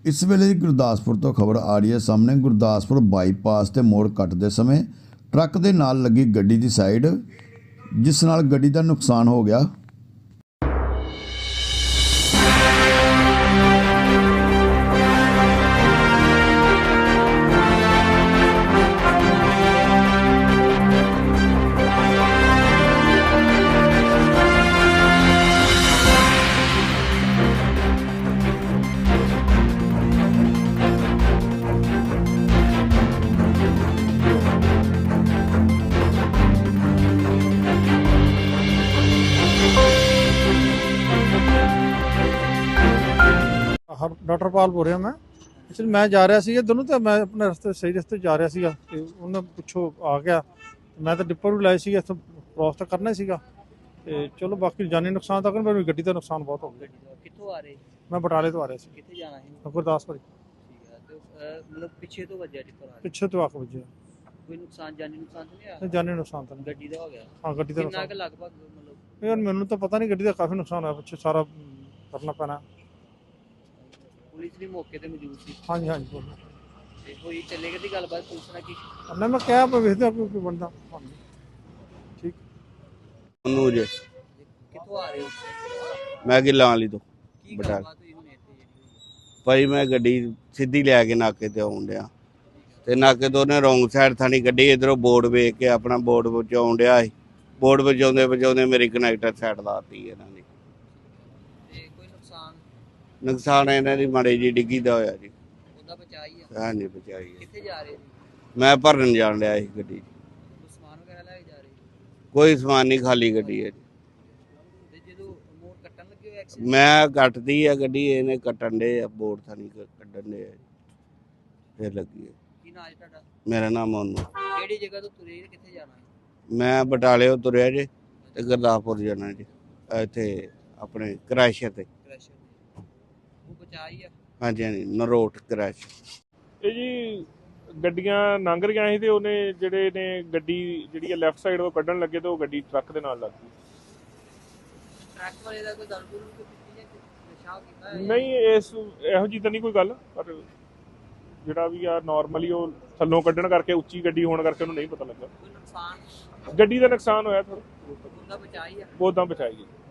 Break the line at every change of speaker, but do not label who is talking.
इस वेले गुरदासपुर तो खबर आ रही है सामने। गुरदासपुर बाईपास ते मोड़ कटते समय ट्रक दे नाल लगी गड्डी दी साइड, जिस नाल गड्डी दा नुकसान हो गया।
डॉक्टर पाल बोल रहा मैं। एक्चुअली मैं जा रहा सी दोनों, तो मैं अपने रस्ते सही रस्ते जा रहा सी, उन्हें पिछों आ गया। मैं तो डिपर भी लाए सी, इतों क्रॉस तो करना ही सीगा। ते चलो बाकी जानी नुकसान तक मेरी गड्डी का नुकसान बहुत हो गया।
कित्थों आ रहे?
मैं बटाले तो आ रहा सी।
कित्थे जाना है?
गुरदासपुर।
ठीक है, तो मतलब पीछे तो वजह टिप्पर आ रहे?
पिछे तो आख बजे
कोई नुकसान जानी नुकसान तो नहीं आया?
जानी नुकसान तो नहीं।
गड्डी का हो गया?
हाँ गड्डी का
कितना
नुकसान
के लगभग मतलब
यार मैनू तो पता नहीं, गड्डी का काफ़ी नुकसान है, पिछे सारा करना पैना।
पुलिस भी मौके ते मौजूद थी?
हाँ जी हाँ जी बोलो।
ते कोई चलेगा दी गलबात पुलिस ने की?
अब मैं क्या वेखते कोई बनता। ठीक
मनोज
कित्थों आ रहे हो?
मैं गिल्लां वाली तो
की
बटाले।
गलबात हुई हुणे इत्थे जेहड़ी?
भाई मैं गड्डी सीधी लैके नाके ते आउण डिया ते नाके तो उन्हें रोंग साइड थानी गड्डी इधरों बोर्ड वेख के अपना बोर्ड बचाउण डिया सी। बोर्ड बचाउंदे बचाउंदे मेरी कनैक्टर साइड लाती इन्हां ने।
ते कोई नुकसान
नुकसान इन्हां दी माड़ी जी डिग्गी दा होया जी।
ओदा बचा ही है?
हां जी बचाई है।
कित्थे जा रहे थे?
मैं भरन जाण लिया सी गड्डी,
कोई सामान वगैरह लेके जा रहे?
कोई समान नहीं, खाली गड्डी है।
ते जदों मोड़ कट्टन लगे हो एक्सीडेंट?
मैं कटदी है गड्डी, इन्हें कट्टन डे बोर्ड थानी कड्डन डे फिर लगी है।
की नाम है ਤੁਹਾਡਾ?
मेरा नाम मोनू।
ਕਿਹੜੀ ਜਗ੍ਹਾ ਤੋਂ ਤੁਰੇ ਤੇ ਕਿੱਥੇ ਜਾਣਾ ਹੈ?
मैं बटाले तुरया जी ते गुरदासपुर जाना जी, इत्थे अपने क्रैश ते।
ਕ੍ਰੈਸ਼ਰ ਦੇ ਉਹ ਬਚਾ ਹੀ ਆ?
हाँ जी हाँ जी, नरोट क्रैश।
ਇਹ ਜੀ ਗੱਡੀਆਂ ਲੰਘ ਰਹੀਆਂ ਸੀ ਤੇ ਉਹਨੇ ਜਿਹੜੇ ਨੇ ਗੱਡੀ ਜਿਹੜੀ ਲੈਫਟ ਸਾਈਡ ਤੋਂ ਕੱਢਣ ਲੱਗੇ ਤੇ ਉਹ ਗੱਡੀ ਟਰੱਕ ਦੇ ਨਾਲ ਲੱਗ ਗਈ।
ਟਰੱਕ ਵਾਲੇ ਦਾ ਕੋਈ ਦਰਦ ਕੋਈ ਕੀਤੀ ਜਾਂ ਨਸ਼ਾ ਕੀਤਾ ਹੈ?
ਨਹੀਂ ਇਹੋ ਜਿਹੀ ਤਾਂ ਨਹੀਂ ਕੋਈ ਗੱਲ, ਪਰ ਜਿਹੜਾ ਵੀ ਆ ਨਾਰਮਲੀ ਉਹ ਥੱਲੋਂ ਕੱਢਣ ਕਰਕੇ ਉੱਚੀ ਗੱਡੀ ਹੋਣ ਕਰਕੇ ਉਹਨੂੰ ਨਹੀਂ ਪਤਾ ਲੱਗਾ।
ਕੋਈ ਨੁਕਸਾਨ
ਗੱਡੀ ਦਾ ਨੁਕਸਾਨ ਹੋਇਆ ਥੋੜਾ
ਉਹਦਾ ਬਚਾ ਹੀ ਆ?
ਬਹੁਤਾਂ ਬਚਾਈ ਗਈ।